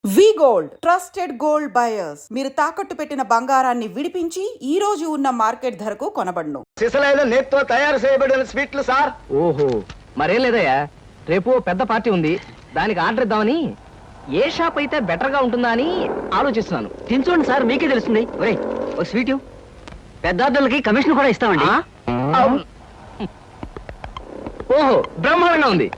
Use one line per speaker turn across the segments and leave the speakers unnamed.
వి gold trusted gold buyers మీరు తాకట్టు పెట్టిన బంగారాన్ని విడిపించి ఈ రోజు ఉన్న మార్కెట్ ధరకు కొనబడును.
సిసలైన నేత్తో తయారు చేయబడిన స్వీట్లు సార్.
ఓహో, మరేం లేదయ్యా, రేపు పెద్ద పార్టీ ఉంది, దానికి ఆర్డర్ ఇద్దామని. ఏ షాప్ అయితే బెటర్ గా ఉంటుందా అని ఆలోచిస్తున్నాను. తినచూడండి సార్, మీకే తెలుస్తుంది. ఒరేయ్, ఒక స్వీట్ పెద్దార్థులకి కమిషన్ కూడా ఇస్తామండి. ఓహో, బ్రహ్మాండంగా ఉంది.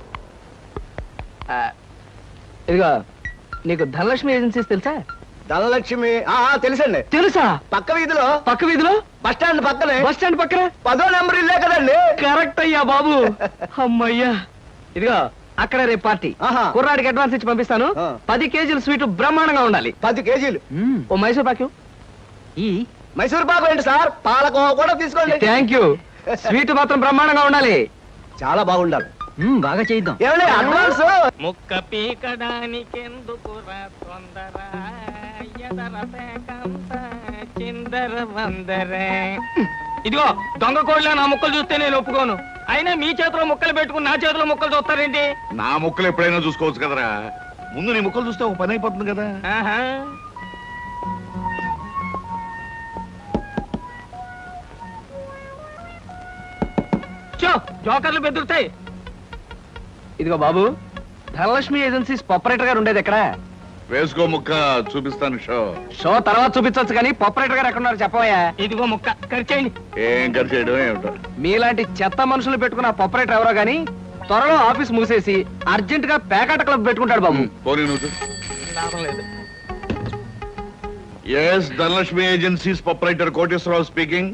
ఇదిగా, నీకు ధనలక్ష్మి ఏజెన్సీస్ తెలుసా?
ధనలక్ష్మి తెలుసండి.
తెలుసా?
పక్క వీధిలో బస్ స్టాండ్ పక్కనే.
బస్ స్టాండ్ పక్కన
10వ నెంబర్ ఇల్లే కదండి.
కరెక్ట్ అయ్యా బాబు. అమ్మయ్యా, ఇదిగో అక్కడ రేపు పార్టీ. కుర్రాడికి అడ్వాన్స్ ఇచ్చి పంపిస్తాను. 10 కేజీలు స్వీట్ బ్రహ్మాండంగా ఉండాలి.
10 కేజీలు.
ఓ మైసూర్ పాకు. ఈ
మైసూర్ పాకు ఏంటి సార్, పాలకోవా కూడా తీసుకోండి.
Thank you. స్వీట్ మాత్రం బ్రహ్మాండంగా ఉండాలి.
చాలా బాగుండాలి.
బాగా చేద్దాం.
ఏమండి అడ్వాన్స్?
ముక్క పీకడానికెందుకురా తొందర, ఎదర పేకంత చిందర వందర. ఇదిగో దొంగ కోళ్ళ నా ముక్కలు చూస్తే నేను ఒప్పుకోను. అయినా మీ చేతిలో ముక్కలు పెట్టుకుని నా చేతిలో ముక్కలు చూస్తారేంటి?
నా ముక్కలు ఎప్పుడైనా చూసుకోవచ్చు కదరా, ముందు నీ ముక్కలు చూస్తే ఒక పని అయిపోతుంది కదా.
ఆహా, చో జోకర్లు బెదురుతాయి.
ఇదిగో బాబు, ధనలక్ష్మి ఏజెన్సీస్ ఆపరేటర్ గారు ఉండేది ఎక్కడ?
వేసుకో ముక్క, చూపిస్తాను షో.
షో తర్వాత చూపించవచ్చు కానీ ఆపరేటర్ గారు ఎక్కడ ఉన్నారు చెప్పవయ్యా.
ఇదిగో ముక్క ఖర్చేయండి.
ఏం ఖర్చు చేయడం ఏమిటో.
మీలాంటి చెత్త మనుషులు పెట్టుకున్న ఆపరేటర్ ఎవరో గానీ త్వరలో ఆఫీస్ మూసేసి అర్జెంట్ గా పేకాట క్లబ్ పెట్టుకుంటాడు బాబు.
పోనీ నువ్వు.
లాభం లేదు.
Yes, Dhanalakshmi agencies proprietor Koteswararao speaking.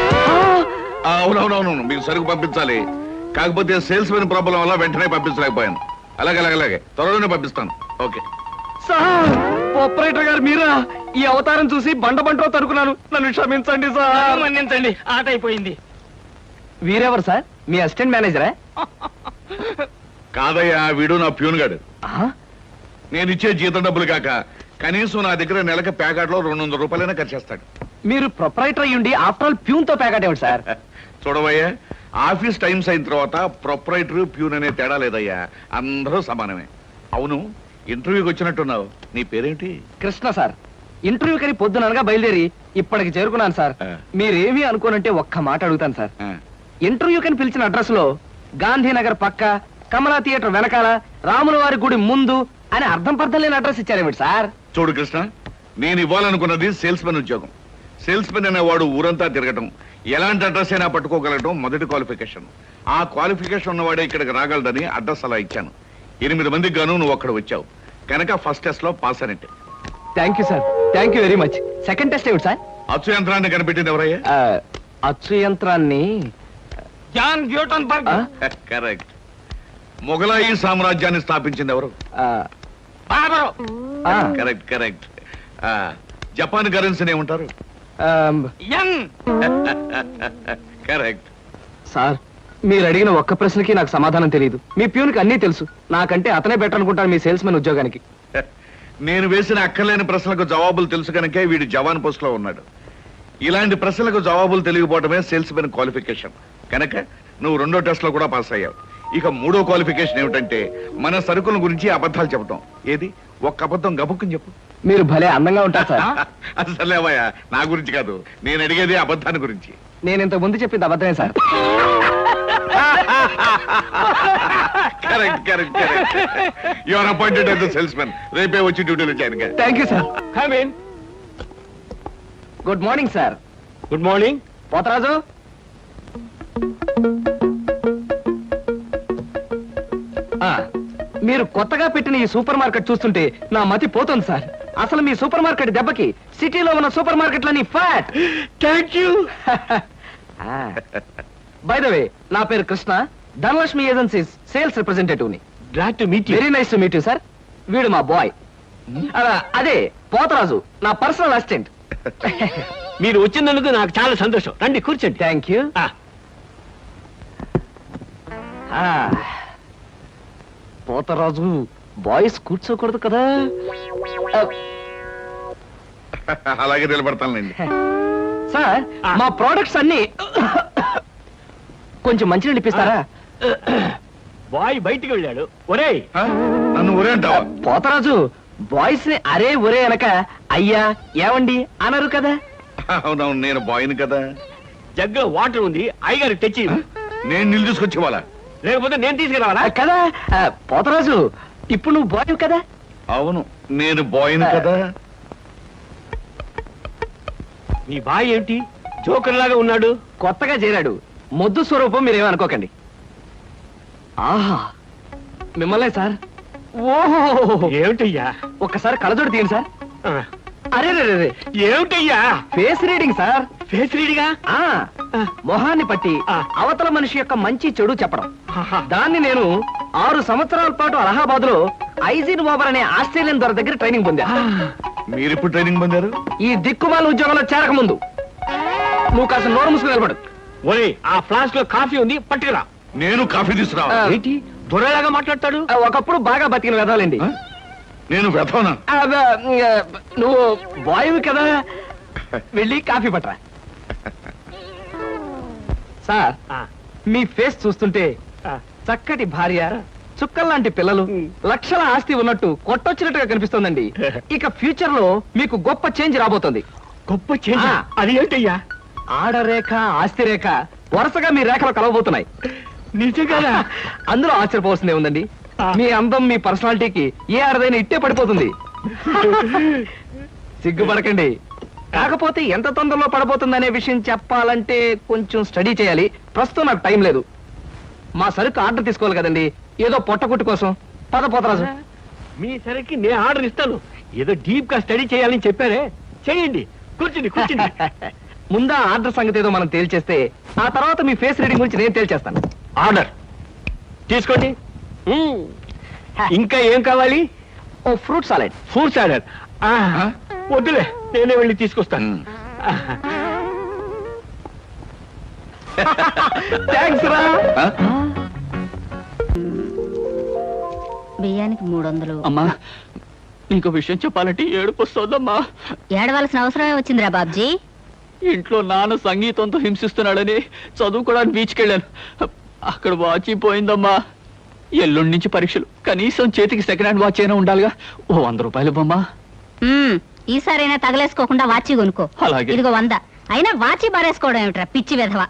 అవునవునవును, మీకు సరుకు పంపించాలి, కాకపోతే సేల్స్ మెన్ ప్రాబ్లం వల్ల వెంటనే పంపించలేకపోయాను. అలాగే త్వరలోనే పంపిస్తాను. ఓకే
సార్, ఆపరేటర్ గారు మీరా? ఈ అవతారం చూసి బండలో తరుకున్నాను, నన్ను క్షమించండి సార్.
మన్నించండి, ఆట అయిపోయింది.
వీరెవరు సార్? మీ అసిస్టెంట్ మేనేజరా?
కాదయ్యా, వీడు నా ప్యూన్ గాడు. నేను ఇచ్చే జీతం డబ్బులు కాక కనీసం నా దగ్గర నెలకి ప్యాకెట్లో 200 రూపాయలైనా ఖర్చు చేస్తాడు.
మీరు ప్రొపరైటర్ అయ్యుండి ఆఫ్టర్ ఆల్ ప్యూన్ తో ప్యాకెట్ ఏమిటి సార్?
చూడవయ్యా, ఆఫీస్ టైమ్స్ అయిన తర్వాత ప్రొపరైటర్ ప్యూన్ అనే తేడా లేదయ్యా, అందరూ సమానమే. అవును, ఇంటర్వ్యూకి వచ్చినట్టున్నావు, నీ పేరేంటి?
కృష్ణ సార్. ఇంటర్వ్యూ కని పొద్దుననగా బయలుదేరి ఇప్పటికి చేరుకున్నాను సార్. మీరేమీ అనుకోనంటే ఒక్క మాట అడుగుతాను సార్. ఇంటర్వ్యూ కని పిలిచిన అడ్రస్ లో గాంధీనగర్ పక్క, కమలా థియేటర్ వెనకాల, రాముల వారి గుడి ముందు అని అర్థం పర్థం లేని అడ్రస్ ఇచ్చారేమిటి సార్?
చూడు కృష్ణ, నేను ఇవ్వాలనుకున్నది సేల్స్ మెన్ ఉద్యోగం. సేల్స్ మెన్ అనేవాడు ఊరంతా తిరగటం, ఎలాంటి అడ్రస్ అయినా పట్టుకోగలగటం మొదటి క్వాలిఫికేషన్. ఆ క్వాలిఫికేషన్ ఉన్నవాడే ఇక్కడికి రాగలడని అడ్రస్ అలా ఇచ్చాను. 8 మందికి గాను నువ్వు అక్కడ వచ్చావు కనుక ఫస్ట్ టెస్ట్ లో పాస్ అనేట్టు.
Thank you sir, thank you very much. Second test ఏమిటి సార్?
అచ్చు యంత్రాన్ని కనిపెట్టింది ఎవరయ్యా?
అచ్చు యంత్రాన్ని
జాన్ గ్యూటన్బర్గ్.
కరెక్ట్. మొఘలాయి సామ్రాజ్యాన్ని స్థాపించింది ఎవరు?
బాబరు.
కరెక్ట్. జపాన్ కరెన్సీని ఏమంటారు?
యం.
కరెక్ట్.
సార్, మీరు అడిగిన ఒక్క ప్రశ్నకి నాకు సమాధానం తెలియదు. మీ ప్యూన్కి అన్నీ తెలుసు. నాకంటే అతనే బెటర్ అనుకుంటాను మీ సేల్స్ మెన్ ఉద్యోగానికి.
నేను వేసిన అక్కర్లేని ప్రశ్నలకు జవాబులు తెలుసు కనుకే వీడు జవాన్ పోస్ట్ లో ఉన్నాడు. ఇలాంటి ప్రశ్నలకు జవాబులు తెలియకపోవడమే సేల్స్ మెన్ క్వాలిఫికేషన్. కనుక నువ్వు 2వ టెస్ట్ లో కూడా పాస్ అయ్యావు. ఇక 3వ క్వాలిఫికేషన్ ఏమిటంటే మన సరుకుల గురించి అబద్ధాలు చెప్పడం. ఏది, ఒక్క అబద్ధం గబుక్కుని చెప్పు.
మీరు భలే అందంగా ఉంటారు సార్.
అసలేవయ్యా, నా గురించి కాదు, నేను అడిగేది అబద్ధాన్ని గురించి.
నేను ఇంతకు ముందు చెప్పింది అబద్ధమే sir.
Correct. You are appointed as the salesmen. రేపే వచ్చి డ్యూటీలో చేరగా.
Thank you sir.
Come in.
Good morning sir.
Good morning.
Potharaju, మీరు కొత్తగా పెట్టిన ఈ సూపర్ మార్కెట్ చూస్తుంటే నా మతి పోతుంది సార్. అసలు మీ సూపర్ మార్కెట్ దెబ్బకి సిటీలో ఉన్న సూపర్ మార్కెట్లని fat.
Thank you.
By the way, నా పేరు Krishna, Dhanalakshmi agencies sales representative ని.
Glad to meet you.
Very nice to meet you sir. వీడు మా బాయ్. అదే పోతరాజు, నా పర్సనల్ అసిస్టెంట్.
మీరు వచ్చినందుకు నాకు చాలా సంతోషం. రండి కూర్చోండి.
Thank you. పోతరాజు, బాయ్స్ కూర్చోకూడదు కదా.
అలాగే నిలబడతానులేండి.
సార్, మా ప్రోడక్ట్స్ అన్ని కొంచెం మంచినీళ్ళు ఇప్పిస్తారా?
బాయ్ బయటికి వెళ్ళాడు. ఒరేయ్,
నన్ను ఊరే అంటావా?
పోతరాజు, బాయ్స్ ని అరే ఒరే అనక అయ్యా ఏమండి అనరు కదా.
అవునవును, నేను బాయ్ని కదా.
జగ్గులో వాటర్ ఉంది, అయ్యగారు తెచ్చి
నేను నీళ్ళు తీసుకొచ్చి వాళ్ళ.
లేకపోతే నేను తీసుకురావాలా?
కదా పోతరాజు, ఇప్పుడు నువ్వు బాయ్ కదా.
అవును, నేను బాయ్ని కదా.
నీ బాయ్ ఏమిటి జోకర్ లాగా ఉన్నాడు?
కొత్తగా చేరాడు, మొద్దు స్వరూపం మీరేమనుకోకండి. ఆహా మిమ్మల్నే సార్. ఓహో
ఏమిటయ్యా?
ఒక్కసారి కళ్ళజోడు తీయండి సార్.
ఆ,
అరే రే రే,
ఏమిటయ్యా?
Face reading sir.
ఫేస్ రీడిగా?
ఆ మొహాన్ని పట్టి
ఆ.
అవతల మనిషి యొక్క మంచి చెడు చెప్పడం.
ఆహా.
దాన్ని నేను 6 సంవత్సరాల పాటు అలహాబాద్ లో ఐజిన్ ఓబర్ అనే ఆస్ట్రేలియన్ దొర దగ్గర ట్రైనింగ్ పొందా.
మీరు ఇప్పుడు ట్రైనింగ్ పొందారు?
ఈ దిక్కుమాల ఉద్యోగంలో చేరక ముందు. నువ్వు కాస్త నోరు మూసుకుని నిలబడు.
ఓయ్, ఆ ఫ్లాస్క్ లో కాఫీ ఉంది, పట్టుకురా.
నేను కాఫీ తీసుకురా.
ఆ.
ఏంటి దొరలాగా మాట్లాడతాడు?
ఒకప్పుడు బాగా బతికిన వెదాలండి.
నేను వెతవనా?
నువ్వు బాయ్ కదా, వెళ్ళి కాఫీ పట్టరా. సార్,
ఆ,
మీ ఫేస్ చూస్తుంటే
ఆ.
చక్కటి భార్య, చుక్కల్లాంటి పిల్లలు, లక్షల ఆస్తి ఉన్నట్టు కొట్టొచ్చినట్టుగా కనిపిస్తోందండి. ఇక ఫ్యూచర్ లో మీకు గొప్ప చేంజ్ రాబోతుంది.
గొప్ప చేంజ్.
ఆ.
అది ఏంటయ్యా?
ఆడరేఖ, ఆస్తి రేఖ వరుసగా మీ రేఖలు కలవబోతున్నాయి.
నిజంగా?
అందులో ఆశ్చర్యపోవాల్సిందే ఉందండి.
ఆ.
మీ అందం, మీ పర్సనాలిటీకి ఏ ఆడదైనా ఇట్టే పడిపోతుంది. సిగ్గుపడకండి. కాకపోతే ఎంత తొందరలో పడబోతుందనే విషయం చెప్పాలంటే కొంచెం స్టడీ చేయాలి. ప్రస్తుతం నాకు టైం లేదు. మా సరుకు ఆర్డర్ తీసుకోవాలి కదండి, ఏదో పొట్టకుట్టు కోసం. పద పోతరాజు.
మీ సరికి నేను ఆర్డర్ ఇస్తాను. ఏదో డీప్ గా స్టడీ చేయాలని చెప్పారే, చేయండి. కూర్చుని కూర్చుని.
ముందా ఆర్డర్ సంగతి ఏదో మనం తేల్చేస్తే ఆ తర్వాత మీ ఫేస్ రీడింగ్ గురించి నేను తేల్చేస్తాను.
ఆర్డర్ తీసుకోండి. ఇంకా ఏం కావాలి?
Oh fruit salad.
Fruits order. వద్దులే, నేనే వెళ్ళి తీసుకొస్తాను.
థ్యాంక్స్ రా.
బియ్యానికి 300.
అమ్మా, నీకు విషయం చెప్పాలంటే ఏడుపు వస్తుందమ్మా.
ఏడవలసిన అవసరమే వచ్చిందిరా బాబ్జీ.
ఇంట్లో నాన్న సంగీతంతో హింసిస్తున్నాడని చదువుకోవడానికి బీచ్కి వెళ్ళాను. అక్కడ వాచ్ పోయిందమ్మా. ఎల్లుండి నుంచి పరీక్షలు, కనీసం చేతికి సెకండ్ హ్యాండ్ వాచ్ అయినా ఉండాలిగా. ఓ 100 రూపాయలు ఇవ్వమ్మా.
ఈసారైనా తగలేసుకోకుండా వాచి కొనుక్కో.
అలాగే.
ఇదిగో 100. అయినా వాచి బారేసుకోవడం ఏమిట్రా పిచ్చి వెధవ.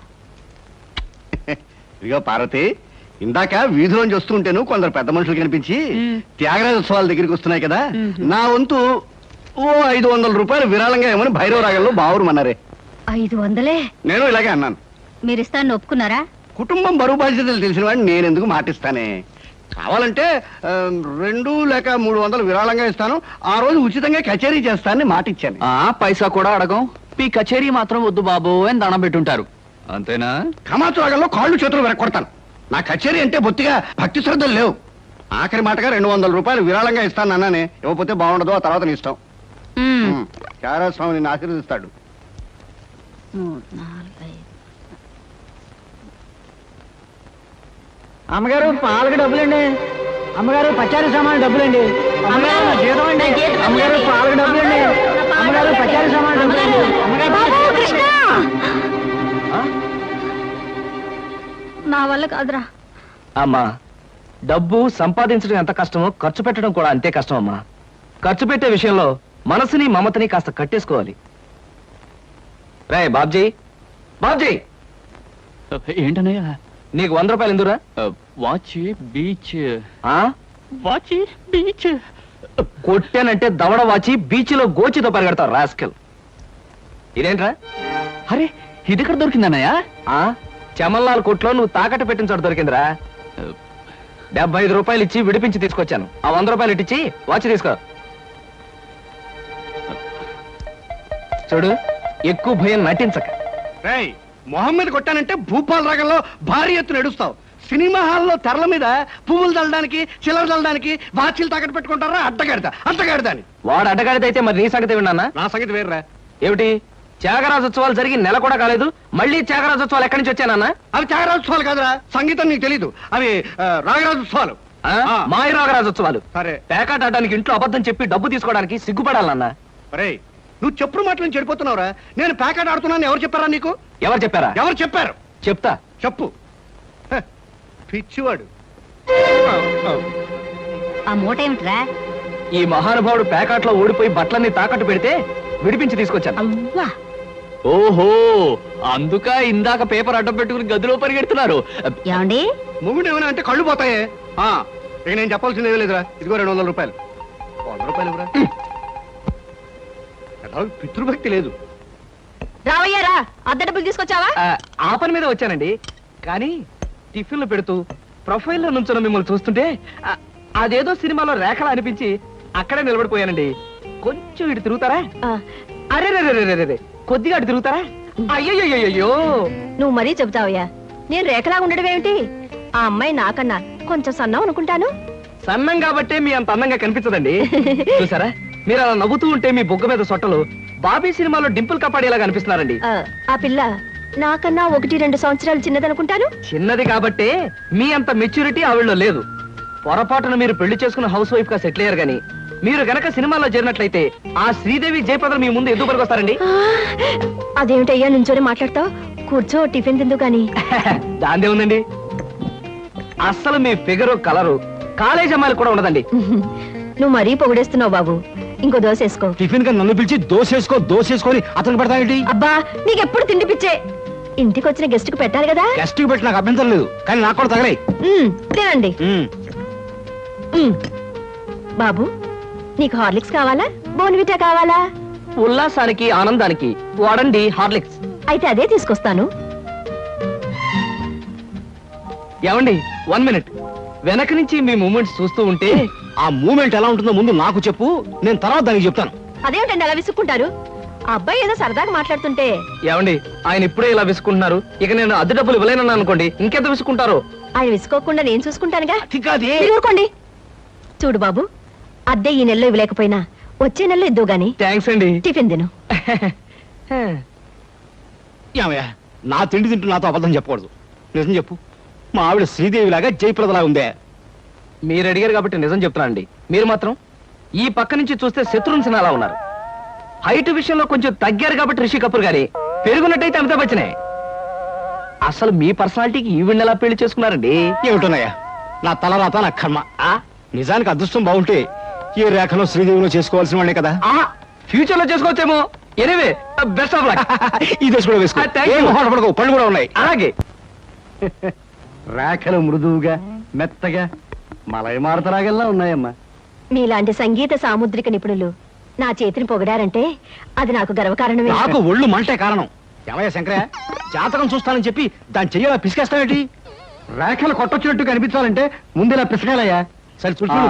ఇదిగో పార్వతి, ఇందాక వీధిలోంచి వస్తుంటేను కొందరు పెద్ద మనుషులు కనిపించి త్యాగరాజోత్సవాల దగ్గరికి వస్తున్నాయి కదా, నా వంతు ఓ 500 రూపాయలు విరాళంగా ఏమని భైరవ రాగంలో బావురమన్నారే.
500?
నేను ఇలాగే అన్నాను.
మీరిస్తాను ఒప్పుకున్నారా?
కుటుంబం బరువు బాధ్యతలు తెలిసిన వాడిని నేను ఎందుకు మాటిస్తానే. కావాలంటే 2 లేక 300 విరాళంగా ఇస్తాను. ఆ రోజు ఉచితంగా కచేరీ చేస్తానని మాటిచ్చాను.
ఆ పైసా కూడా అడగం. మీ కచేరీ మాత్రం వద్దు బాబు అని దండం పెట్టుంటారు, అంతేనా?
కమాతు రాగంలో కాళ్ళు చేతులు వెరక్కొడతాను. నా కచేరీ అంటే బొత్తిగా భక్తి శ్రద్ధలు లేవు. ఆఖరి మాటగా 200 రూపాయలు విరాళంగా ఇస్తాను అన్నానే. ఇవ్వకపోతే బాగుండదు, ఆ తర్వాత నీ ఇష్టం. త్యాగరాజ స్వామి నిన్ను ఆశీర్వదిస్తాడు.
3, 4, 5.
అమ్మగారు పాలకు డబ్బులండి. అమ్మగారు పచారీ సామాన్ డబ్బులండి. అమ్మగారు నా జీతం అండి. అమ్మగారు పాలకు డబ్బులండి. అమ్మగారు పచారీ సామాన్ డబ్బులండి.
నా వల్ల కాదురా.
అమ్మా, డబ్బు సంపాదించడం ఎంత కష్టమో ఖర్చు పెట్టడం కూడా అంతే కష్టం అమ్మా. ఖర్చు పెట్టే విషయంలో మనసుని మమతని కాస్త కట్టేసుకోవాలి. రే బాబ్జీ, బాబ్జీ,
ఏంటనయ్యా?
నీకు 100 రూపాయలు ఎందురా?
Watch beach.
ఆ?
Watch beach.
కొట్టానంటే దవడ వాచి బీచ్లో గోచితో పరిగెడతావు రాస్కెల్. ఇదేంట్రా?
అరే, ఇది ఎక్కడ దొరికిందన్నయ్యా?
ఆ చమల్లాల్ కొట్లో నువ్వు తాకట్టు పెట్టిన చోట దొరికిందిరా. 75 రూపాయలు ఇచ్చి విడిపించి తీసుకొచ్చాను. ఆ 100 రూపాయలు ఇట్టించి వాచ్ తీసుకో. చూడు, ఎక్కువ భయం నటించక.
రేయ్, మొహమ్మద్ కొట్టానంటే భూపాల్ రాగంలో భారీ ఎత్తున ఎడుస్తావు. సినిమా హాల్లో తెరల మీద పువ్వులు చల్లడానికి, చిల్లర చల్లడానికి వాచీలు తాకట్టు పెట్టుకుంటారా? అడ్డగాడిదా అని.
వాడు అడ్డగాడిదైతే మరి నీ సంగతి విన్నానా?
నా సంగతి వేర్రా.
ఏమిటి, త్యాగరాజోత్సవాలు జరిగి నెల కూడా కాలేదు, మళ్ళీ త్యాగరాజోత్సవాలు ఎక్కడి నుంచి వచ్చానన్నా?
అవి త్యాగరాజోత్సవాలు కాదురా, సంగీతం నీకు తెలీదు. అవి రాగరాజోత్సవాలు.
మాయ రాగరాజోత్సవాలు.
సరే.
పేకాట ఆడడానికి ఇంట్లో అబద్ధం చెప్పి డబ్బు తీసుకోవడానికి సిగ్గుపడాలన్నా.
రే, నువ్వు చెప్పుడు మాటలను చెడిపోతున్నావురా. నేను ప్యాకెట్ ఆడుతున్నాను ఎవరు చెప్పారా నీకు?
ఎవరు చెప్పారా?
ఎవరు చెప్పారు?
చెప్తా.
చెప్పు. పిచ్చివాడు.
ఆ మూట ఏమిట్రా?
ఈ మహానుభావుడు ప్యాకాట్లో ఓడిపోయి బట్టలన్నీ తాకట్టు పెడితే విడిపించి తీసుకొచ్చాను.
అవ్వా
ఓహో, అందుక ఇందాక పేపర్ అడ్డం పెట్టుకుని గదిలో పరిగెడుతున్నారు.
ఏమండి
మొగుడు ఏమైనా అంటే కళ్ళు పోతాయే. ఇక నేను చెప్పాల్సింది ఏమీ లేదురా. ఇదిగో 200 రూపాయలు. 100 రూపాయలు ఇవ్వరా. పితృభక్తి లేదు.
రావయ్యారా అద్దె డబ్బులు తీసుకొచ్చావా?
ఆ పని మీద వచ్చానండి. కానీ టిఫిన్లు పెడుతూ ప్రొఫైల్లో నుంచున్న మిమ్మల్ని చూస్తుంటే అదేదో సినిమాలో రేఖలా అనిపించి అక్కడే నిలబడిపోయానండి. కొంచెం ఇటు తిరుగుతారా? అరే కొద్దిగా అటు తిరుగుతారా? అయ్యయ్యో,
నువ్వు మరీ చెబుతావయ్యా. నేను రేఖలా ఉండడం ఏమిటి? ఆ అమ్మాయి నాకన్నా కొంచెం సన్నం అనుకుంటాను.
సన్నం కాబట్టే మీ అంత అందంగా కనిపించదండి. చూసారా, మీరు అలా నవ్వుతూ ఉంటే మీ బొగ్గ మీద సొట్టలు బాబీ సినిమాలో డింపుల్ కపాడేలా కనిపిస్తున్నారండి.
ఆ పిల్ల నాకన్నా 1-2 సంవత్సరాలు చిన్నదనుకుంటాను.
చిన్నది కాబట్టే మీ అంత మెచ్యూరిటీ ఆవిడలో లేదు. పొరపాటున మీరు పెళ్లి చేసుకున్న హౌస్ వైఫ్ గా సెటిల్ అయ్యారు గాని మీరు గనక సినిమాలో చేరినట్లయితే ఆ శ్రీదేవి జయప్రద మీ ముందు ఎందుకు పనికొస్తారండి?
అదేమిటయ్యా నుంచోనే మాట్లాడతావు? కూర్చో, టిఫిన్ తిందు గాని.
దాందే ఉందండి. అస్సలు మీ ఫిగరు కలరు కాలేజ్ అమ్మాయిలు కూడా ఉండదండి.
నువ్వు మరీ పొగిడేస్తున్నావు బాబు. ఇంకో దోశ వేసుకో.
టిఫిన్ గా నన్ను పిలిచి దోసేసుకొని అతను పెడతానండి.
అబ్బా నీకెప్పుడు తిండి పిచ్చే. ఇంటికి వచ్చిన గెస్ట్ కు పెట్టాలి కదా.
గెస్ట్ కి పెట్టి నాకు అభ్యంతరం లేదు, కానీ నాకు కూడా తగలే.
తినండి. బాబు నీకు హార్లిక్స్ కావాలా, బోన్విటా కావాలా?
ఉల్లాసానికి ఆనందానికి వాడండి హార్లిక్స్.
అయితే అదే తీసుకొస్తాను.
ఏమండి, 1 మినిట్. వెనక నుంచి మీ మూమెంట్స్ చూస్తూ ఉంటే
ఆ మూమెంట్ ఎలా ఉంటుందో ముందు నాకు చెప్పు, నేను తర్వాత దానికి చెప్తాను.
అదేమిటండి అలా విసుక్కుంటారు? ఆ అబ్బాయి ఏదో సరదాగా మాట్లాడుతుంటే.
ఏమండి, ఆయన ఇప్పుడే ఇలా విసుకుంటున్నారు. ఇక నేను అద్దె డబ్బులు ఇవ్వలేనన్నా అనుకోండి, ఇంకెంత విసుకుంటారో.
ఆయన విసుకోకుండా నేను చూసుకుంటానుగా.
అతికాదే.
మీరు ఊరుకోండి. చూడు బాబు, అద్దె ఈ నెలలో ఇవ్వలేకపోయినా వచ్చే నెలలో ఇద్దు గాని.
థ్యాంక్స్ అండి.
టిఫిన్ తిను.
ఏమయ్యా, నా తిండి తింటూ నాతో అబద్ధం చెప్పకూడదు. నిజం చెప్పు, మా ఆవిడ శ్రీదేవి లాగా జయప్రదలా ఉందే?
మీరు అడిగారు కాబట్టి నిజం చెప్తున్నానండి. మీరు మాత్రం ఈ పక్క నుంచి చూస్తే శత్రుఘ్న సిన్హా అలా ఉన్నారు. హైట్ విషయంలో కొంచెం తగ్గారు కాబట్టి రిషి కపూర్ గారి, పెరుగున్నట్టయితే అమితాబ్ బచ్చనే. అసలు మీ పర్సనాలిటీకి ఈవిడ్ని ఎలా పెళ్లి చేసుకున్నారండి?
ఏమిటోనయ్యా, నా తలరాత నా కర్మ. నిజానికి అదృష్టం బాగుంటే ఈ రేఖలో శ్రీదేవిలో చేసుకోవాల్సిన వాళ్ళే కదా.
ఫ్యూచర్ లో చేసుకోవచ్చేమో. Anyway, best of luck.
ఈ దశ కూడా వేసుకో.
Thank you.
ఏం మొహాట పడకు, పళ్ళు కూడా ఉన్నాయి.
అలాగే.
రేఖలు మృదువుగా మెత్తగా మలయమారుతరాగల్లా ఉన్నాయమ్మా.
మీలాంటి సంగీత సాముద్రిక నిపుణులు నా చేతిని పొగిడారంటే అది నాకు గర్వకారణమే.
నాకు ఒళ్ళు మంటే కారణం. ఏమయ్య శంకరయ్య, జాతకం చూస్తానని చెప్పి దాన్ని చెయ్యాలా పిసికేస్తావేంటి? రేఖలు కొట్టొచ్చినట్టు కనిపించాలంటే ముందు ఇలా పిసకాలయ్యా. సరే చూడు.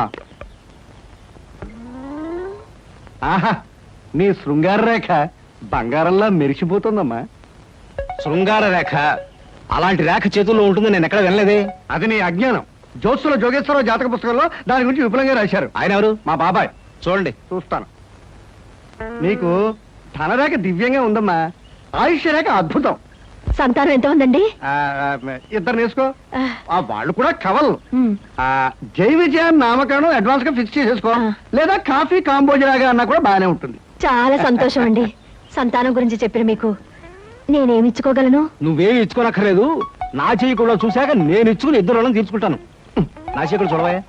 ఆహా, నీ శృంగార రేఖ బంగారంలా మెరిసిపోతుందమ్మా. శృంగార రేఖ అలాంటి రేఖ చేతుల్లో ఉంటుందని నేను ఎక్కడ వినలేదే. అది నీ అజ్ఞానం. జోత్సుల జోగేశ్వరరావు జాతక పుస్తకంలో దాని గురించి విపులంగా రాశారు. ఆయన ఎవరు? మా బాబాయ్. చూడండి, చూస్తాను. మీకు ధనరేఖ దివ్యంగా ఉందమ్మా. ఆయుష్య రేఖ అద్భుతం.
సంతానం ఎంత ఉందండి?
ఇద్దరు నేర్చుకో. వాళ్ళు కూడా కవల్.
ఉమ్.
జై విజయాన్ని నామకరణం అడ్వాన్స్ గా ఫిక్స్ చేసేసుకో. లేదా కాఫీ కాంబోజరాగా అన్నా కూడా బాగానే ఉంటుంది.
చాలా సంతోషం అండి. సంతానం గురించి చెప్పిన మీకు నేనేమి ఇచ్చుకోగలను?
నువ్వేమి ఇచ్చుకోనక్కర్లేదు. నా చెయ్యి కూడా చూశాక నేను ఇచ్చుకుని ఇద్దరు వాళ్ళని తీర్చుకుంటాను. నా చెయ్యి కూడా చూడవా.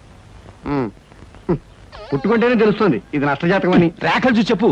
పుట్టుకుంటేనే తెలుస్తుంది ఇది నష్టజాతకం అని. రేఖలు చూసి చెప్పు.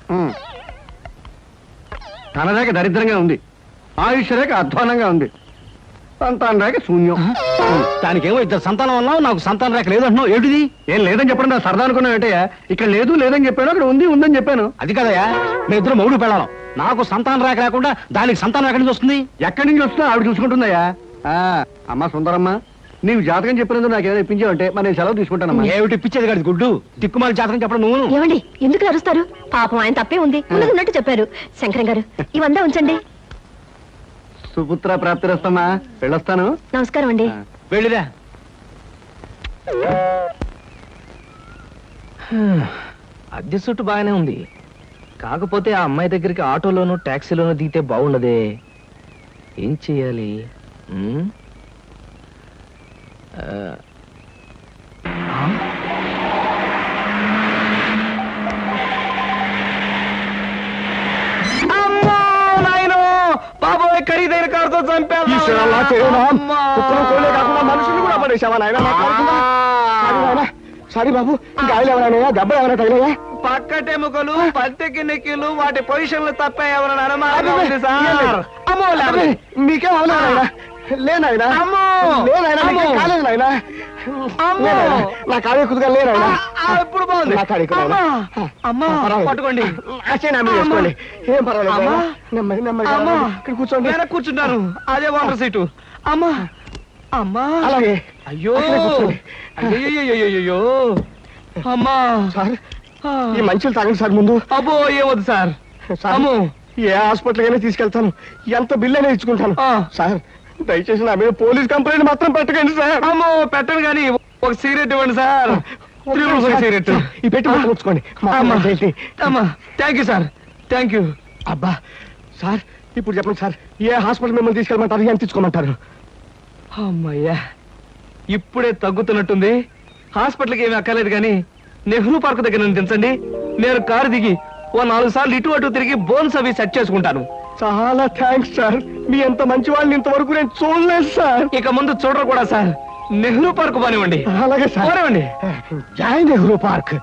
ధనరేఖ దరిద్రంగా ఉంది, ఆయుష్ రేఖ అధ్వానంగా ఉంది, సంతాన రేఖ శూన్యం. దానికేమో ఇద్దరు సంతానం అన్నావు, నాకు సంతాన రేఖ లేదు అంటున్నావు. ఏంటిది? ఏం లేదని చెప్పడం నా సరదా అనుకున్నావు ఏంటయ్యా? ఇక్కడ లేదు లేదని చెప్పాను, అక్కడ ఉంది ఉందని చెప్పాను. అది కదయ్యా, మీ ఇద్దరు మౌడు పెళ్ళాం. నాకు సంతాన రేఖ లేకుండా దానికి సంతానం ఎక్కడి నుంచి వస్తుంది? ఎక్కడి నుంచి వస్తుందో ఆవిడ చూసుకుంటుందయ్యా. అమ్మా సుందరమ్మ, నీవు జాతకం చెప్పినందుకు నాకు ఏమైనా ఇప్పించావంటే మరి నేను సెలవు తీసుకుంటానమ్మా. ఏమిటి ఇప్పించేది కాదు గుడ్డు, దిక్కుమాలి జాతకం చెప్పడం నువ్వు.
ఏమండి ఎందుకు అరుస్తారు? పాపం ఆయన తప్పే ఉంది, ఉన్నట్టు చెప్పారు. శంకరం గారు ఇవంతా ఉంచండి.
సుపుత్ర ప్రాప్తిరస్తమ్మా, వెళ్ళొస్తాను.
నమస్కారం అండి.
వెళ్ళిరా.
అద్దె చుట్టు బాగానే ఉంది, కాకపోతే ఆ అమ్మాయి దగ్గరికి ఆటోలోనూ టాక్సీలోనూ దిగితే బాగుండదే. ఏం చెయ్యాలి? బాబోయ్, ఖరీదైన కారుతో చంపాను.
మనుషులు కూడా పడేసావా నాయన? సారీ బాబు గాయలు ఎవరైనా దెబ్బలు ఎవరైనా తగిలాయా?
పక్కటెముకలు పత్తెకి నెక్కిలు వాటి పొజిషన్లు తప్ప ఎవరైనా అనుమానం ఉంది సార్. అమ్మో
అబ్బే, మీకేం అవలేదా? లేనాయనా
అమ్మో!
లేనాయనా మీకేం
అమ్మో!
కాలేదు నాయనా.
అమ్మో!
లేనాయనా, నా కాడే కుదుగా లేనాయనా.
ఇప్పుడు బాగుంది.
నా కాడే కుదుగా.
అమ్మా
పర్వాలేదు.
పట్టుకోండి.
ఆశయం ఆమె చేసుకోండి. ఏం పర్వాలేదు
అమ్మా!
నాయనా. నెమ్మది నెమ్మదిగా
అమ్మా!
ఇక్కడ కూర్చోండి.
వెనక్కి కూర్చుంటాను. అదే వాటర్ సీటు. అమ్మా అమ్మా
అలాగే
అయ్యో
అక్కడే కూర్చోండి.
అయ్యో అమ్మా
సార్ ఈ మంచులు తాగండి సార్ ముందు.
అబ్బో ఏవద్దు సార్.
సార్,
అమ్మో
ఏ హాస్పిటల్ అయినా తీసుకెళ్తాను, ఎంత బిల్ అయినా ఇచ్చుకుంటాను.
ఆ.
సార్ దయచేసి నా మీద పోలీస్ కంప్లైంట్ మాత్రం పెట్టకండి సార్.
అమ్మో పెట్టను కానీ ఒక సిగరెట్ ఇవ్వండి సార్. సిగరెట్
ఈ పెట్టి మొత్తం ఉంచుకోండి.
అమ్మా
ఏంటి?
అమ్మా thank you sir thank you.
అబ్బా సార్ ఇప్పుడు చెప్పండి సార్, ఏ హాస్పిటల్ మిమ్మల్ని తీసుకెళ్ళమంటారు, ఎంత తీసుకోమంటారు?
అమ్మయ్యా ఇప్పుడే తగ్గుతున్నట్టుంది. హాస్పిటల్కి ఏమీ అక్కర్లేదు కానీ నెహ్రూ పార్క్ దగ్గర నన్ను దించండి. నేను కారు దిగి ఓ 4 సార్లు ఇటు అటు తిరిగి బోన్స్ అవి సెట్ చేసుకుంటాను.
చాలా థ్యాంక్స్ సార్, మీ ఎంత మంచి వాళ్ళని ఇంతవరకు నేను చూడలేదు సార్.
ఇక ముందు చూడరు కూడా సార్. నెహ్రూ పార్క్ పోనివ్వండి.
అలాగే సార్.
పోనివ్వండి.
జై నెహ్రూ పార్క్.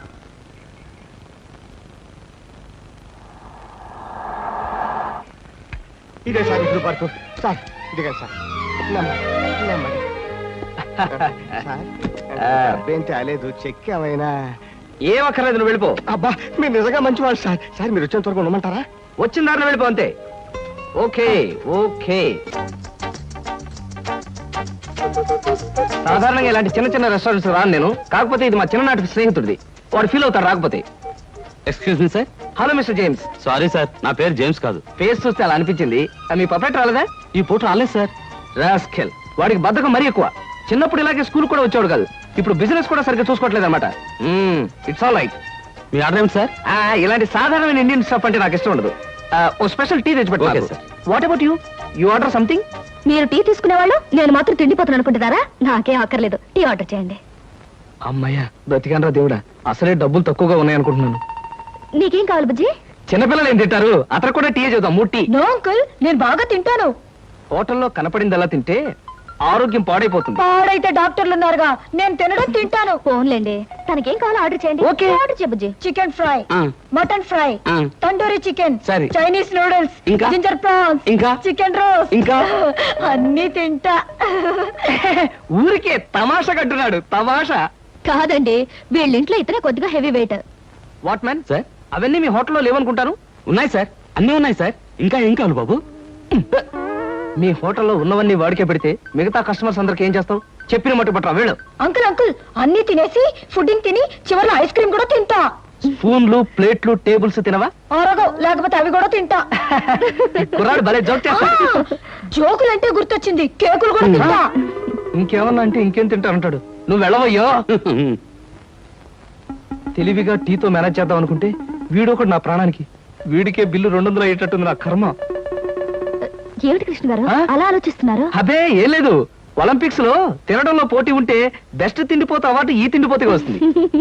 ఇదే సార్ నెహ్రూ పార్క్. సార్ ఇదిగా సార్. నెమ్మది, నెమ్మది. సార్ డబ్బేం తేలేదు, చెక్ ఏమైనా?
ఏం అక్కర్లేదు నువ్వు వెళ్ళిపో.
అబ్బా మీరు నిజంగా మంచివాళ్ళు సార్. సార్ మీరు వచ్చేంత వరకు ఉండమంటారా?
వచ్చిన దారిలో వెళ్ళిపో అంతే. Okay okay. సాధారణంగా ఇలాంటి చిన్న చిన్న రెస్టారెంట్స్ రాను నేను. కాకపోతే ఇది మా చిన్ననాటి స్నేహితుడిది. వాడు ఫీల్ అవుతాడు రాకపోతే.
Excuse me sir.
Hello mister James.
Sorry sir, నా పేరు జేమ్స్ కాదు.
ఫేస్ చూస్తే అలా అనిపించింది. మీ పర్ఫెక్ట్ రాలేదా?
ఈ పూట రాలేదు సార్.
రాస్కెల్. వాడికి బద్ధకం మరీ ఎక్కువ. చిన్నప్పుడు ఇలాగే స్కూల్ కూడా వచ్చాడు కాదు. ఇప్పుడు బిజినెస్ కూడా సరిగ్గా చూసుకోవట్లేదు అనమాట. It's all right.
మీ ఆర్డర్ ఏమిటి సార్?
ఇలాంటి సాధారణమైన ఇండియన్ స్టఫ్ అంటే నాకు ఇష్టం ఉండదు. ఓ స్పెషల్ టీ తెచ్చి
Okay,
పెట్టు.
sir.
What about you? You order something?
మీరు టీ తీసుకునేవాళ్ళు నేను మాత్రం తిండిపోతాను అనుకుంటున్నారా? నాకేం అక్కర్లేదు, టీ ఆర్డర్ చేయండి.
అమ్మయ్యా బ్రతికానరా దేవుడా. అసలే డబ్బులు తక్కువగా ఉన్నాయి అనుకుంటున్నాను.
నీకేం కావాలి బుజ్జి?
చిన్నపిల్లలు ఏం తింటారు? అతను కూడా టీ చేద్దాం. 3 టీ.
నో అంకుల్, నేను బాగా తింటాను.
హోటల్లో కనపడింది అలా తింటే ఆరోగ్యం పాడైపోతుంది.
పాడైతే డాక్టర్లు ఉన్నారుగా, నేను తినడం తింటాను. ఫోన్లేండి, తనకేం కావాలో ఆర్డర్ చేయండి.
ఓకే.
ఆర్డర్ చేయ బుజ్జి. చికెన్ ఫ్రై,
ఆ.
మటన్ ఫ్రై,
ఆ.
తండూరి చికెన్,
సరే.
చైనీస్ నూడిల్స్,
ఇంకా?
జింజర్ ప్రాన్స్,
ఇంకా?
చికెన్ రోస్ట్,
ఇంకా?
అన్ని తింటా.
ఊరికే తమాషా కట్టున్నాడు. తమాషా
కాదండి, వీళ్ళింట్లో ఇతనే కొద్దిగా heavy weight.
What man sir? అవన్నీ మీ హోటల్లో లేవనుకుంటాను.
ఉన్నాయి సార్, అన్నీ ఉన్నాయి సార్. ఇంకా ఏం కావాలి బాబు?
మీ హోటల్లో ఉన్నవన్నీ వాడికే పెడితే మిగతా కస్టమర్స్ అందరికి ఏం చేస్తావు? చెప్పిన మట్టు పట్టరా వెళ్ళు.
అంకుల్ అన్ని తినేసి ఫుడ్డింగ్ తిని చివరిలో ఐస్ క్రీమ్ కూడా తింటా.
స్పూన్లు ప్లేట్లు టేబుల్స్ తినవా?
ఆరోగో లేకపోతే అవి కూడా తింటా.
కుర్రాడు భలే జోక్ చేస్తాడు.
జోకులంటే గుర్తొచ్చింది, కేకులు కూడా తింటా.
ఇంకేమన్నా అంటే ఇంకేం తింటానంటాడు. నువ్వు వెళ్ళవయ్యో. తెలివిగా టీతో మేనేజ్ చేద్దాం అనుకుంటే వీడొకడు నా ప్రాణానికి. వీడికే బిల్లు 200 అయ్యేటట్టుంది నా కర్మ.
ఏమిటి కృష్ణ గారు
ఆ?
అలా ఆలోచిస్తున్నారు?
అదే ఏం లేదు. ఒలింపిక్స్ లో తినడంలో పోటీ ఉంటే బెస్ట్ తిండిపోతే అవార్డు ఈ తిండిపోతే వస్తుంది.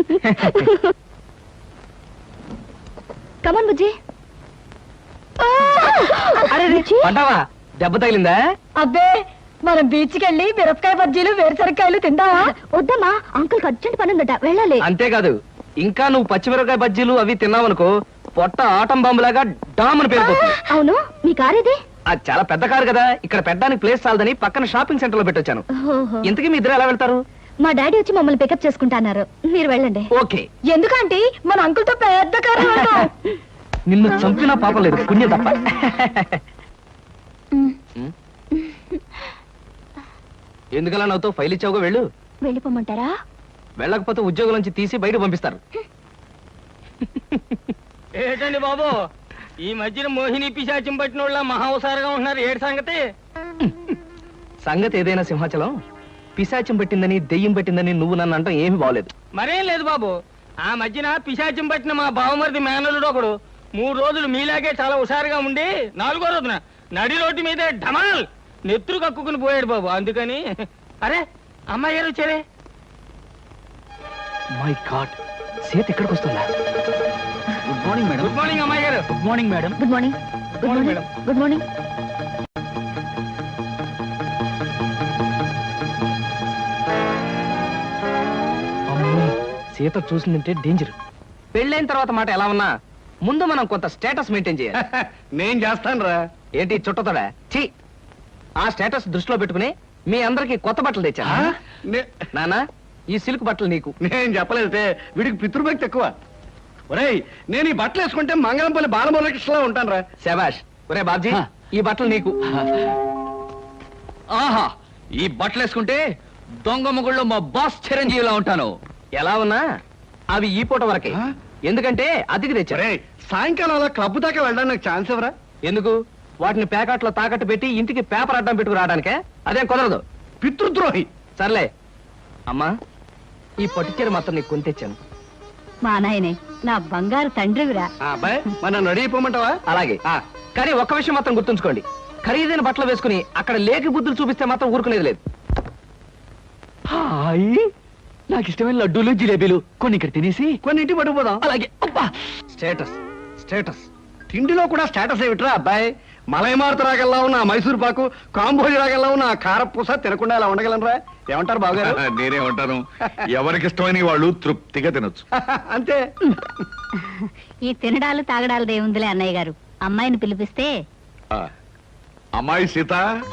కమన్ బుజ్జి.
అరే పడ్డావా? దెబ్బ తగిలిందా?
అబ్బే, మనం బీచ్కి వెళ్ళి మిరపకాయ బజ్జీలు వేరుసరికాయలు తిందామా? వద్దమ్మా, అంకుల్ అర్జెంట్ పని ఉందట, వెళ్ళాలి.
అంతేకాదు, ఇంకా నువ్వు పచ్చిమిరపకాయ బజ్జీలు అవి తిన్నావనుకో పొట్ట ఆటం బాంబులాగా డామని పేరుపోతుంది.
అవును, మీ కార్ ఇది?
అది చాలా పెద్ద కారు కదా, ఇక్కడ పెట్టడానికి ప్లేస్ చాలదని పక్కన షాపింగ్ సెంటర్ లో పెట్టొచ్చాను.
ఓహో.
ఇంతకీ మీ ఇద్దరు ఎలా వెళ్తారు?
మా డాడీ వచ్చి మమ్మల్ని పికప్ చేసుకుంటున్నారు, మీరు వెళ్ళండి.
ఓకే.
ఎందుకంటే మన అంకుల్ తో పెద్ద కారు.
నిన్ను చంపినా పాపం లేదు, పుణ్యం తప్ప. ఎందుకలా నవ్వుతో ఫైల్ ఇచ్చావుగా వెళ్ళు.
వెళ్ళిపోమంటారా?
వెళ్ళకపోతే ఉద్యోగం నుంచి తీసి బయట పంపిస్తారు.
ఏంటండి బాబు, ఈ మధ్యన మోహిని పిశాచం పట్టిన వాళ్ళ మహా హుషారుగా ఉంటున్నారు. ఏడు సంగతి?
సంగతి ఏదైనా సింహాచలం, పిశాచం పట్టిందని దెయ్యం పట్టిందని నువ్వు నన్ను అంటాం ఏమీ బాగలేదు.
మరేం లేదు బాబు, ఆ మధ్యన పిశాచం పట్టిన మా బావమరిది మేనలుడు ఒకడు 3 రోజులు మీలాగే చాలా హుషారుగా ఉండి 4వ రోజున నడి రోడ్డు మీదే ఢమాల్ నెత్తురు కక్కుకుని పోయాడు బాబు. అందుకని అరే అమ్మాయి గారు వచ్చారే.
మై గాడ్, సీత ఎక్కడికి వస్తుందా?
Good morning madam.
Good morning అమ్మాయి గారు.
Good morning madam.
Good morning. Good
morning,
morning. Good morning.
అమ్మో,
సీత చూసిందంటే డేంజర్.
పెళ్ళైన తర్వాత మాట ఎలా ఉన్నా ముందు మనం కొంత స్టేటస్ మెయింటైన్ చేయాలి.
నేను చేస్తాను రా.
ఏంటి చుట్టతోడా? ఛీ! ఆ స్టేటస్ దృష్టిలో పెట్టుకుని మీ అందరికి కొత్త బట్టలు తెచ్చా. నానా, ఈ సిల్క్ బట్టలు నీకు.
నేను చెప్పలేదే, వీడికి పితృభక్తి ఎక్కువ. ఒరేయ్, నేను ఈ బట్టలు వేసుకుంటే మంగళంపల్లి బాలమురకృష్ణలా ఉంటాను రా.
శబాష్. ఒరే బాబ్జీ, ఈ బట్టలు నీకు.
ఆహా, ఈ బట్టలు వేసుకుంటే దొంగ మొగుళ్ళో మా బాస్ చిరంజీవిలా ఉంటాను.
ఎలా ఉన్నా అవి ఈ పూట వరకే. ఎందుకంటే అతికి తెచ్చారు.
ఒరేయ్, సాయంకాలం అలా క్లబ్ దాకా వెళ్ళడానికి నాకు ఛాన్స్ ఎవరా?
ఎందుకు? వాటిని ప్యాకెట్లో తాకట్టు పెట్టి ఇంటికి పేపర్ అడ్డం పెట్టుకు రావడానికే? అదేం కుదరదు.
పితృద్రోహి.
సర్లే అమ్మా, ఈ పట్టుచీర మాత్రం నీకు కొని తెచ్చాను.
మా నాయనే నా బంగారు తండ్రివిరా.
అబ్బాయి, మన రెడీ అయిపోమంటావా?
అలాగే. కానీ ఒక్క విషయం మాత్రం గుర్తుంచుకోండి, ఖరీదైన బట్టలు వేసుకుని అక్కడ లేకి బుద్ధులు చూపిస్తే మాత్రం ఊరుకునేది లేదు.
హాయ్, నాకు ఇష్టమైన లడ్డూలు జిలేబీలు కొన్ని ఇక్కడ తినేసి
కొన్ని ఇంటి పట్టుకుపోదాం.
అలాగే. అబ్బా,
స్టేటస్ స్టేటస్.
తిండిలో కూడా స్టేటస్ ఏమిట్రా అబ్బాయి? మలైమారుత రాగల్లా ఉన్న ఆ మైసూర్ పాకు, కాంబోజి రాగల్లా ఉన్న ఆ కారపూస తినకుండా ఇలా ఉండగలనరా? ఏమంటారు బావగారు?
నేనే ఉంటాను. ఎవరికి ఇష్టమైన వాళ్ళు తృప్తిగా తినొచ్చు.
అంతే.
ఈ తినడాలు తాగడాలు దేవుందిలే అన్నయ్య గారు. అమ్మాయిని పిలిపిస్తే
ఆ, అమ్మాయి సీత.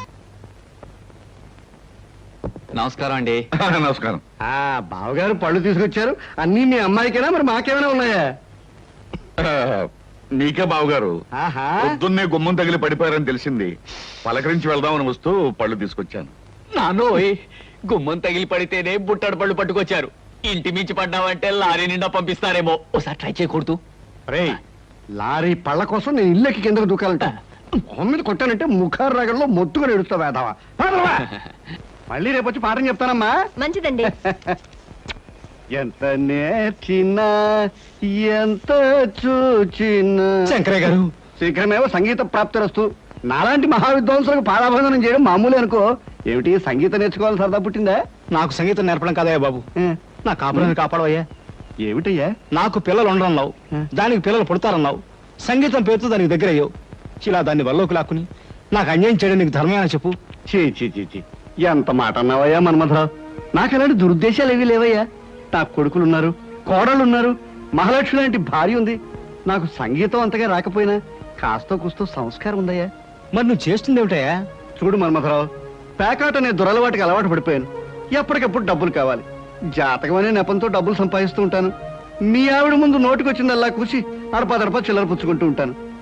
నమస్కారం అండి.
నమస్కారం.
ఆ బావగారు పళ్ళు తీసుకొచ్చారు. అన్నీ మీ అమ్మాయికేనా, మరి మాకేమైనా ఉన్నాయా?
ఆ, నీకే బావగారు.
ఆహా.
పొద్దున్నే గుమ్మం తగిలి పడిపోయారని తెలిసింది. పలకరించి వెళ్దామని వస్తూ పళ్ళు తీసుకొచ్చాను.
నానోయ్, గుమ్మం తగిలి పడితేనే బుట్టడు పళ్ళు పట్టుకొచ్చారు. ఇంటి మించి పడ్డావంటే లారీ నిండా పంపిస్తారేమో. ఒకసారి ట్రై చేయకూడదు.
రేయ్, లారీ పళ్ళ కోసం నేను ఇల్లెక్కి కిందకు దూకాలంట. మొహం మీద కొట్టానంటే ముఖారు రగంలో మొత్తుగా ఎడుస్తా వేదావా. మళ్ళీ రేపు వచ్చి పాఠం చెప్తానమ్మా.
మంచిదండి.
ఎంత నేర్చినా ఎంత చూచినా.
శంకరయ్య గారు,
శీఘ్రమేవో సంగీత ప్రాప్తిరస్తు. నాలాంటి మహావిద్వాంసులకు పాదాభందనం చేయడం మామూలే అనుకో. ఏమిటి, సంగీతం నేర్చుకోవాలి సరదా పుట్టిందా?
నాకు సంగీతం నేర్పడం కాదయ్యా బాబు, నా కాపురాన్ని కాపాడవయ్యా.
ఏమిటయ్యా?
నాకు పిల్లలు ఉండరన్నావు, దానికి పిల్లలు పుడతారన్నావు, సంగీతం పేరుతో దానికి దగ్గర అయ్యావు. ఇలా దాన్ని వల్లోకి లాక్కుని నాకు అన్యాయం చేయడం నీకు ధర్మేనా చెప్పు?
చీ చీ చీ చీ, ఎంత మాట అన్నావయ్యా మన్మథరావు. నాకు అలాంటి దురుద్దేశాలు ఏవీ లేవయ్యా. నాకు కొడుకులున్నారు, కోడళ్ళున్నారు, మహాలక్ష్మి లాంటి భార్య ఉంది. నాకు సంగీతం అంతగా రాకపోయినా కాస్తో కూస్తో సంస్కారం ఉందయ్యా.
మరి నువ్వు చేస్తుంది ఏమిటయ్యా?
చూడు మన్మథరావు, పేకాట అనే దురలవాటికి అలవాటు పడిపోయాను. ఎప్పటికప్పుడు డబ్బులు కావాలి. జాతకం అనే నెపంతో డబ్బులు సంపాదిస్తూ ఉంటాను. మీ ఆవిడ ముందు నోటికొచ్చిందల్లా కూసి అడపా చిల్లర పుచ్చుకుంటూ ఉంటాను.